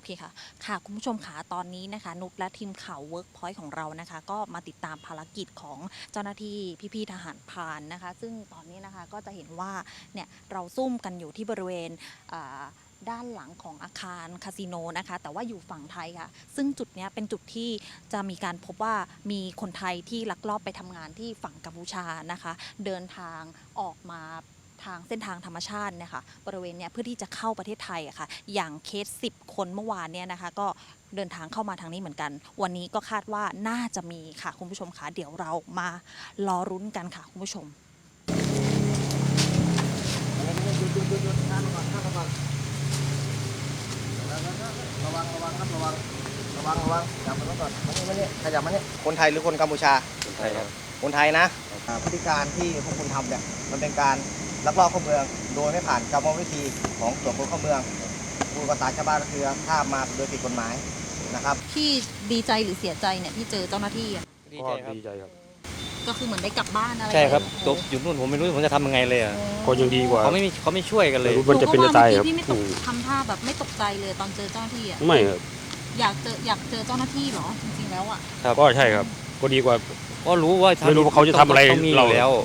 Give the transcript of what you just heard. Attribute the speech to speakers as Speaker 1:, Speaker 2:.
Speaker 1: เคค่ะคุณผู้ชมค่ะตอนนี้นะคะนุชและทีมข่าว Workpoint ของเรานะคะก็มาติดตามภารกิจของเจ้าหน้าที่พี่ๆทหารพรานนะคะซึ่งตอนนี้นะคะก็จะเห็นว่าเนี่ยเราซุ่มกันอยู่ที่บริเวณด้านหลังของอาคารคาสิโนนะคะแต่ว่าอยู่ฝั่งไทยค่ะซึ่งจุดนี้เป็นจุดที่จะมีการพบว่ามีคนไทยที่ลักลอบไปทำงานที่ฝั่งกัมพูชานะคะเดินทางออกมาทางเส้นทางธรรมชาติเนี่ยค่ะบริเวณเนี้ยเพื่อที่จะเข้าประเทศไทยอะค่ะอย่างเคส10 คนเมื่อวานเนี่ยนะคะก็เดินทางเข้ามาทางนี้เหมือนกันวันนี้ก็คาดว่าน่าจะมีค่ะคุณผู้ชมคะเดี๋ยวเรามารอรุ้นกันค่ะคุณผู้ชม
Speaker 2: ระวังครับระวังจับมันไว้ก่อนมานี่ขยับมานี่คนไทยหรือคนกัมพูชาคนไทยครับคนไทยนะพฤติการที่พวกคุณทำเนี่ยมันเป็นการลักลอบเข้าเมืองโดยไม่ผ่านกรรมวิธีของตรวจคนเข้าเมืองพูดภาษาชาวบ้านก็คือข้ามมาโดยผิดกฎหมายนะครับ
Speaker 1: พี่ดีใจหรือเสียใจเนี่ยที่เจอเจ้าหน้าที่อะ
Speaker 3: ดีใจครับ
Speaker 1: ก็คือเหมือนได้กลับบ้านอะไร
Speaker 3: ใช่ครับ
Speaker 1: ไป
Speaker 3: ตกอยู่นู่นผมไม่รู้ผมจะทำยังไงเลยอ่ะ
Speaker 4: ก็ยังดีกว่า
Speaker 3: เขาไม่ช่วยกันเลย
Speaker 4: มันจะเป็นจะตายครับ
Speaker 1: พี่ไม่ตกทำท่าแบบไม่ตกใจเลยตอนเจอเจ้าหน้าที่อะ
Speaker 4: ไม่ครับ
Speaker 1: อยากเจอเจ้าหน้าที่เหรอจริงๆแล้วอะ
Speaker 4: ก็ใช่ครับ ก็ดีกว่า
Speaker 3: ก็รู้ว่า
Speaker 4: ไม่รู้ว่าเขาจะทำอะไร
Speaker 3: ต้องมีอ
Speaker 4: เรา
Speaker 3: ยู่แล้ว